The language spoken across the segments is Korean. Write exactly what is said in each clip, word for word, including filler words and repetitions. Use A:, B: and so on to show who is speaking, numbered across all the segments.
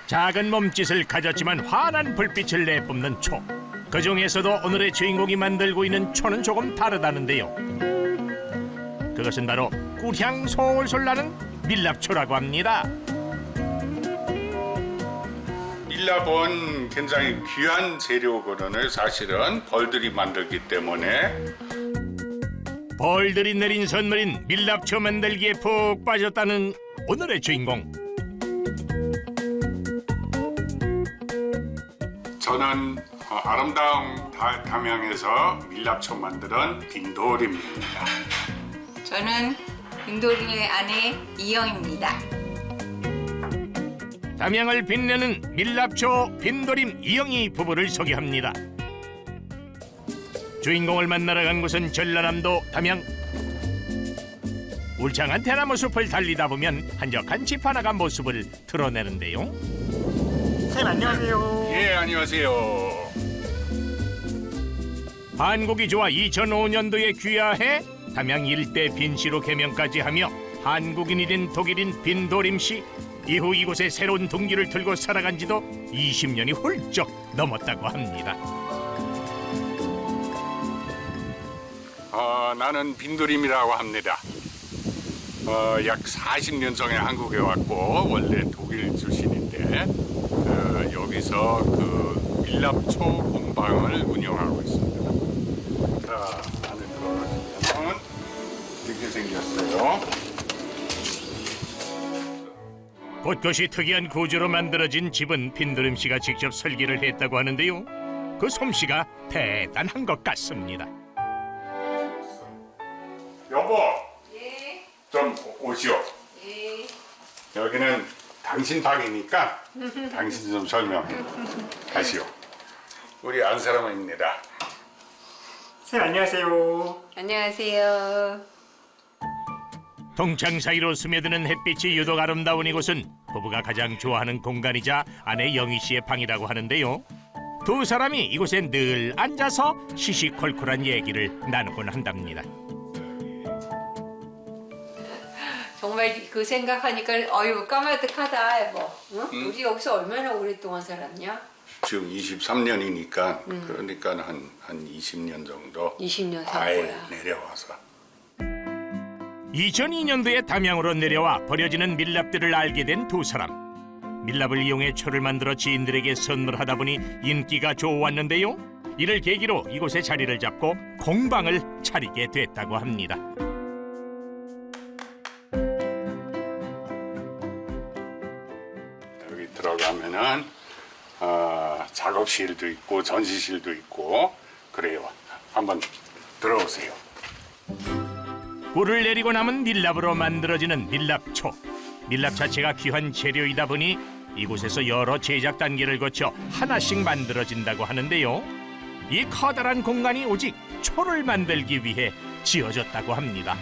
A: 작은 몸짓을 가졌지만 환한 불빛을 내뿜는 초. 그 중에서도 오늘의 주인공이 만들고 있는 초는 조금 다르다는데요. 그것은 바로 꿀향 솔솔 나는 밀랍초라고 합니다.
B: 밀랍은 굉장히 귀한 재료거든요. 사실은 벌들이 만들기 때문에.
A: 벌들이 내린 선물인 밀랍초 만들기에 푹 빠졌다는 오늘의 주인공.
B: 저는 아름다운 담양에서 밀랍초 만드는 빈도림입니다.
C: 저는 빈도림의 아내 이영입니다.
A: 담양을 빛내는 밀랍초 빈도림 이영희 부부를 소개합니다. 주인공을 만나러 간 곳은 전라남도 담양. 울창한 대나무 숲을 달리다 보면 한적한 집 하나가 모습을 드러내는데요.
D: 선생님 안녕하세요.
B: 예, 안녕하세요.
A: 한국이 좋아 이천오 년도에 귀화해 담양 일대 빈씨로 개명까지 하며 한국인이 된 독일인 빈도림 씨. 이후 이곳에 새로운 동기를 들고 살아간 지도 이십 년이 훌쩍 넘었다고 합니다.
B: 어, 나는 빈도림이라고 합니다. 어, 약 사십 년 전에 한국에 왔고 원래 독일 출신인데 그, 여기서 그 밀랍초 공방을 운영하고 있습니다. 자, 안에 들어가시면 이렇게 생겼어요.
A: 곳곳이 특이한 구조로 만들어진 집은 빈도림 씨가 직접 설계를 했다고 하는데요. 그 솜씨가 대단한 것 같습니다.
B: 여보,
C: 예,
B: 좀 오시오.
C: 예.
B: 여기는 당신 방이니까 당신 좀 설명해 가시오. 우리 안사람입니다.
D: 선생님 안녕하세요.
C: 안녕하세요.
A: 동창 사이로 스며드는 햇빛이 유독 아름다운 이곳은 부부가 가장 좋아하는 공간이자 아내 영희 씨의 방이라고 하는데요. 두 사람이 이곳에 늘 앉아서 시시콜콜한 얘기를 나누곤 한답니다.
C: 정말 그 생각하니까 어유 까마득하다 여보. 응?
B: 응?
C: 우리 여기서 얼마나 오랫동안 살았냐?
B: 지금 이십삼 년이니까 그러니까 한, 한 이십 년 정도
C: 이십 년 산
B: 아예
C: 거야.
B: 내려와서
A: 이천이 년도에 담양으로 내려와 버려지는 밀랍들을 알게 된 두 사람. 밀랍을 이용해 초를 만들어 지인들에게 선물하다 보니 인기가 좋았는데요. 이를 계기로 이곳에 자리를 잡고 공방을 차리게 됐다고 합니다.
B: 여기 들어가면은 어, 작업실도 있고 전시실도 있고 그래요. 한번 들어오세요.
A: 꿀을 내리고 남은 밀랍으로 만들어지는 밀랍초. 밀랍 자체가 귀한 재료이다 보니 이곳에서 여러 제작 단계를 거쳐 하나씩 만들어진다고 하는데요. 이 커다란 공간이 오직 초를 만들기 위해 지어졌다고 합니다.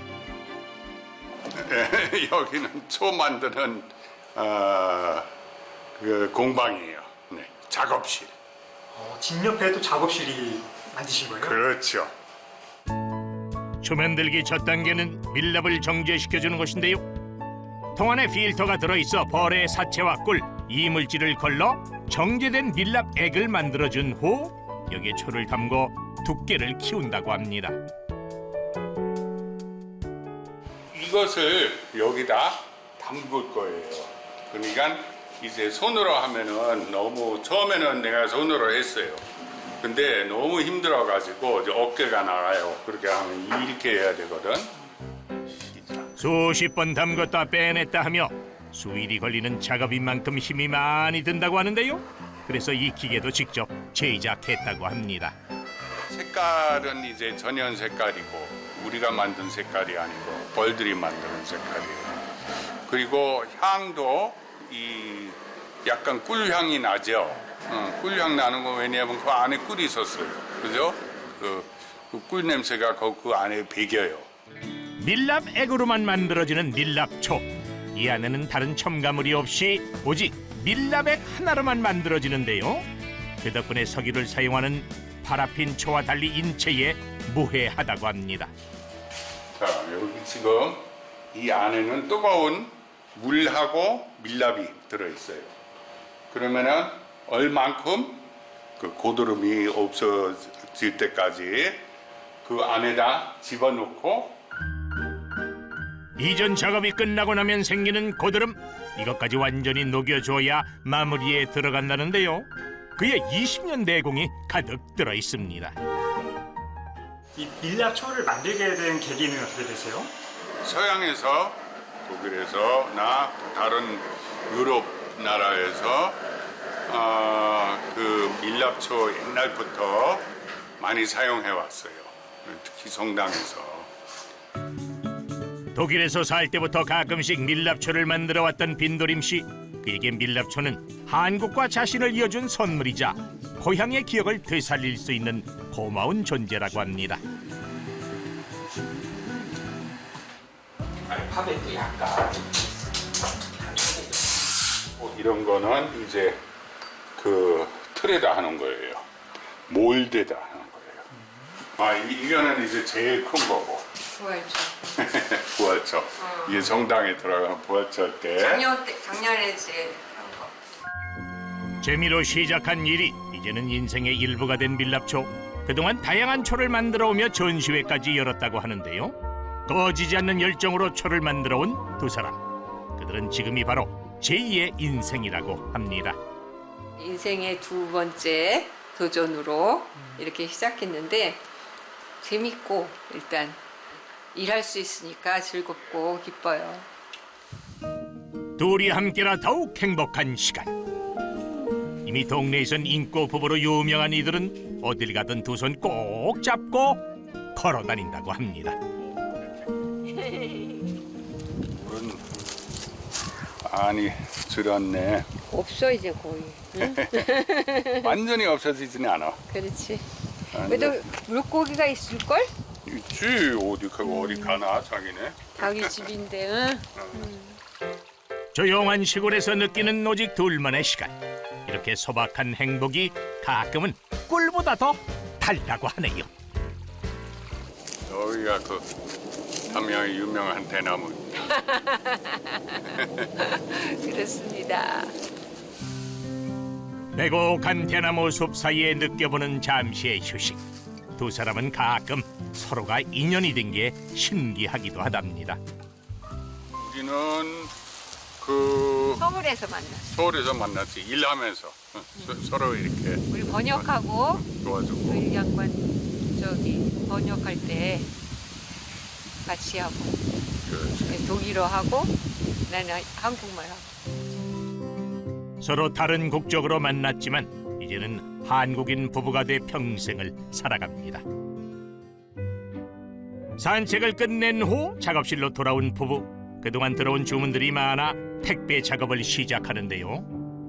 B: 여기는 초 만드는 어, 그 공방이에요. 네, 작업실.
D: 어, 집 옆에도 작업실이 만드신 거예요?
B: 그렇죠.
A: 초 만들기 첫 단계는 밀랍을 정제시켜주는 것인데요. 통 안에 필터가 들어있어 벌의 사체와 꿀, 이물질을 걸러 정제된 밀랍액을 만들어준 후 여기에 초를 담고 두께를 키운다고 합니다.
B: 이것을 여기다 담글 거예요. 그러니까 이제 손으로 하면은 너무 처음에는 내가 손으로 했어요. 근데 너무 힘들어가지고 이제 어깨가 나가요. 그렇게 하면 이렇게 해야 되거든. 시작.
A: 수십 번 담궜다 빼냈다 하며 수일이 걸리는 작업인 만큼 힘이 많이 든다고 하는데요. 그래서 이 기계도 직접 제작했다고 합니다.
B: 색깔은 이제 전연 색깔이고 우리가 만든 색깔이 아니고 벌들이 만드는 색깔이에요. 그리고 향도 이 약간 꿀향이 나죠. 어, 꿀향 나는 거 왜냐하면 그 안에 꿀이 있었어요. 그죠? 그, 그 꿀 냄새가 그, 그 안에 배겨요.
A: 밀랍액으로만 만들어지는 밀랍초. 이 안에는 다른 첨가물이 없이 오직 밀랍액 하나로만 만들어지는데요. 그 덕분에 석유를 사용하는 파라핀 초와 달리 인체에 무해하다고 합니다.
B: 자, 여기 지금 이 안에는 뜨거운 물하고 밀랍이 들어있어요. 그러면은 얼만큼 그 고드름이 없어질 때까지 그 안에다 집어넣고
A: 이전 작업이 끝나고 나면 생기는 고드름, 이것까지 완전히 녹여줘야 마무리에 들어간다는데요. 그의 이십 년 내공이 가득 들어 있습니다.
D: 이 밀랍초를 만들게 된 계기는 어떻게 되세요?
B: 서양에서 독일에서 나 다른 유럽 나라에서 어, 그 밀랍초 옛날부터 많이 사용해 왔어요. 특히 성당에서.
A: 독일에서 살 때부터 가끔씩 밀랍초를 만들어 왔던 빈도림 씨. 그에게 밀랍초는 한국과 자신을 이어준 선물이자 고향의 기억을 되살릴 수 있는 고마운 존재라고 합니다.
B: 알파벳도 약간 뭐 이런 거는 이제 그 틀에다 하는 거예요. 몰드에다 하는 거예요. 아 이- 이거는 이제 제일 큰 거고.
C: 부활초.
B: 부활초. 이게 성당에 들어가는 부활초 때.
C: 작년 때 작년에 이제 한 거.
A: 재미로 시작한 일이 이제는 인생의 일부가 된 밀랍초. 그동안 다양한 초를 만들어 오며 전시회까지 열었다고 하는데요. 꺼지지 않는 열정으로 초를 만들어 온 두 사람. 그들은 지금이 바로 제이의 인생이라고 합니다.
C: 인생의 두 번째 도전으로 이렇게 시작했는데 재밌고 일단 일할 수 있으니까 즐겁고 기뻐요.
A: 둘이 함께라 더욱 행복한 시간. 이미 동네에선 인꼬 부부로 유명한 이들은 어딜 가든 두 손 꼭 잡고 걸어 다닌다고 합니다.
B: 물은 많이 줄었네.
C: 없어 이제 거의. 응?
B: 완전히 없어지지는 않아.
C: 그렇지.
B: 완전-
C: 그래도 물고기가 있을 걸?
B: 있지. 어디 가 어디 가나 자기네.
C: 자기 집인데. 응?
A: 조용한 시골에서 느끼는 오직 둘만의 시간. 이렇게 소박한 행복이 가끔은 꿀보다 더 달다고 하네요.
B: 여기가 그 함양의 유명한 대나무.
C: 그렇습니다.
A: 매곡한 대나무 숲 사이에 느껴보는 잠시의 휴식. 두 사람은 가끔 서로가 인연이 된 게 신기하기도 하답니다.
B: 우리는 그
C: 서울에서 만났어.
B: 서울에서 만났지. 일하면서 서, 서로 이렇게
C: 우리 번역하고
B: 도와주고.
C: 그 양반 저기 번역할 때 같이 하고
B: 그렇지.
C: 독일어 하고 나는 한국말 하고.
A: 서로 다른 국적으로 만났지만 이제는 한국인 부부가 돼 평생을 살아갑니다. 산책을 끝낸 후 작업실로 돌아온 부부. 그동안 들어온 주문들이 많아 택배 작업을 시작하는데요.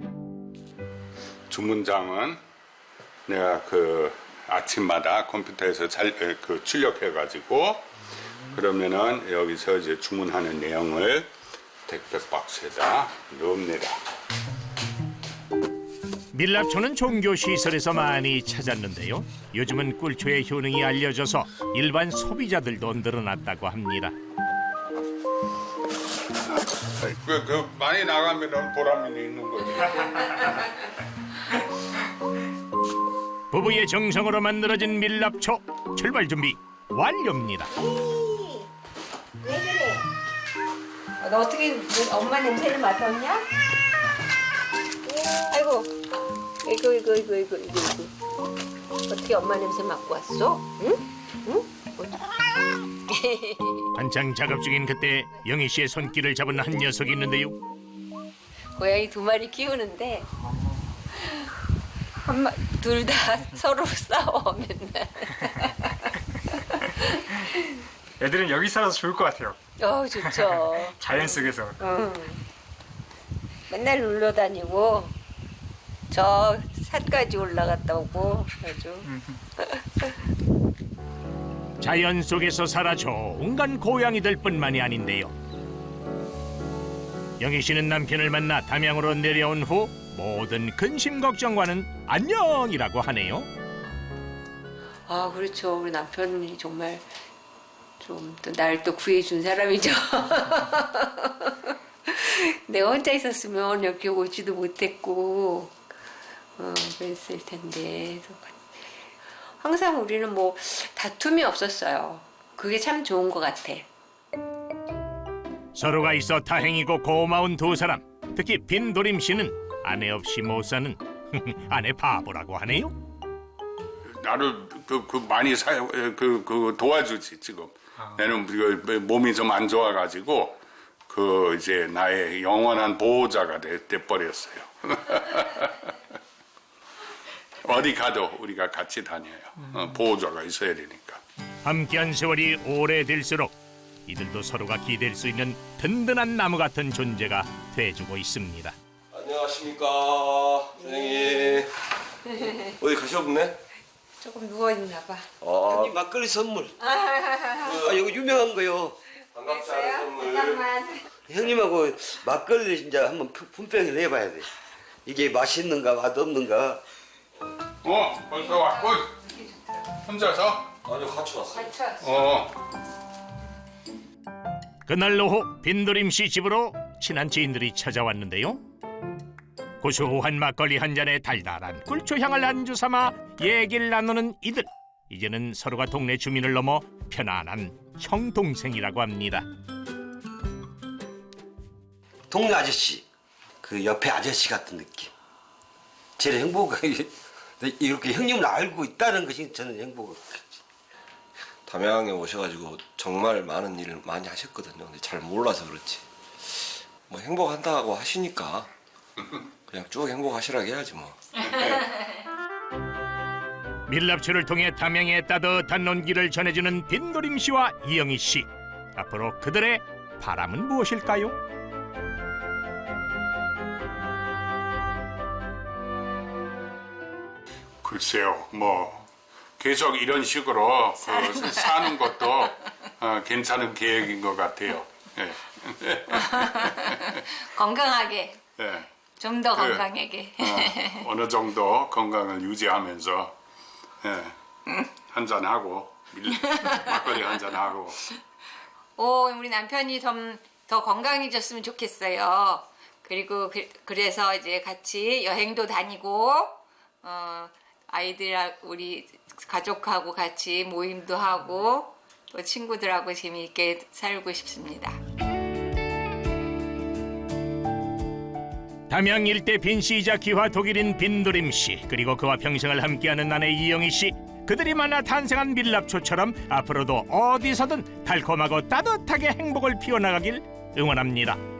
B: 주문장은 내가 그 아침마다 컴퓨터에서 잘 그 출력해가지고 그러면은 여기서 이제 주문하는 내용을 택배 박스에다 넣습니다.
A: 밀랍초는 종교 시설에서 많이 찾았는데요. 요즘은 꿀초의 효능이 알려져서 일반 소비자들도 늘어났다고 합니다.
B: 그, 그 많이 나가면 보람이 있는 거지.
A: 부부의 정성으로 만들어진 밀랍초 출발 준비 완료입니다.
C: 왜 그래? 너 어떻게 엄마 냄새를 맡았냐? 아이고, 이거 이거 이거 이거 이거 이거 어떻게 엄마 냄새 맡고 왔어? 응? 응?
A: 한창 작업 중인 그때 영희 씨의 손길을 잡은 한 녀석이 있는데요.
C: 고양이 두 마리 키우는데 둘 다 서로 싸워 맨날.
D: 애들은 여기 살아서 좋을 것 같아요.
C: 어 좋죠.
D: 자연 속에서.
C: 응. 맨날 놀러 다니고 저 산까지 올라갔다 오고 아주.
A: 자연 속에서 살아 좋은 건 고양이들뿐만이 아닌데요. 영희 씨는 남편을 만나 담양으로 내려온 후 모든 근심 걱정과는 안녕이라고 하네요.
C: 아 그렇죠. 우리 남편이 정말 좀 또 날 또 구해준 사람이죠. 내가 혼자 있었으면 여기 오지도 못했고 어, 그랬을 텐데 그래서 항상 우리는 뭐 다툼이 없었어요. 그게 참 좋은 것 같아.
A: 서로가 있어 다행이고 고마운 두 사람. 특히 빈도림 씨는 아내 없이 못 사는 아내 바보라고 하네요.
B: 나를 그, 그 많이 사, 그, 그 도와주지 지금. 나는 그 몸이 좀 안 좋아가지고 그 이제 나의 영원한 보호자가 돼, 돼 버렸어요. 어디 가도 우리가 같이 다녀요. 어, 보호자가 있어야 되니까.
A: 함께한 세월이 오래될수록 이들도 서로가 기댈 수 있는 든든한 나무 같은 존재가 돼주고 있습니다.
E: 안녕하십니까 선생님. 어디 가셨네?
C: 조금 누워있나 봐.
E: 아, 형님 막걸리 선물. 아, 이거 유명한 거요. 반갑지 않은 선물.
C: 잠깐만.
E: 형님하고 막걸리 진짜 한번 품- 품평을 해봐야 돼. 이게 맛있는가 맛없는가.
B: 어, 벌써 왔고 혼자서?
E: 아니요, 같이 왔어요.
C: 같이 왔어.
B: 어.
A: 그날 오후 빈도림 씨 집으로 친한 지인들이 찾아왔는데요. 고소한 막걸리 한 잔에 달달한 꿀초향을 안주 삼아 얘기를 나누는 이들. 이제는 서로가 동네 주민을 넘어 편안한 형 동생이라고 합니다.
E: 동네 아저씨, 그 옆에 아저씨 같은 느낌. 제일 행복하게 이렇게 형님을 알고 있다는 것이 저는 행복했지.
F: 담양에 오셔가지고 정말 많은 일을 많이 하셨거든요. 근데 잘 몰라서 그렇지. 뭐 행복한다고 하시니까 그냥 쭉 행복하시라고 해야지 뭐.
A: 밀랍초를 통해 담양의 따뜻한 온기를 전해주는 빈도림 씨와 이영희 씨. 앞으로 그들의 바람은 무엇일까요?
B: 글쎄요, 뭐 계속 이런 식으로 그, 사는 것도 어, 괜찮은 계획인 것 같아요. 예.
C: 건강하게.
B: 예.
C: 좀 더
B: 그,
C: 건강하게.
B: 어, 어느 정도 건강을 유지하면서 예, 한잔 하고 막걸리 한잔 하고.
C: 오, 우리 남편이 좀 더 건강해졌으면 좋겠어요. 그리고 그, 그래서 이제 같이 여행도 다니고 어, 아이들 우리 가족하고 같이 모임도 하고 또 친구들하고 재미있게 살고 싶습니다.
A: 담양 일대 빈씨이자 귀화 독일인 빈도림 씨, 그리고 그와 평생을 함께하는 아내 이영희 씨. 그들이 만나 탄생한 밀랍초처럼 앞으로도 어디서든 달콤하고 따뜻하게 행복을 피워나가길 응원합니다.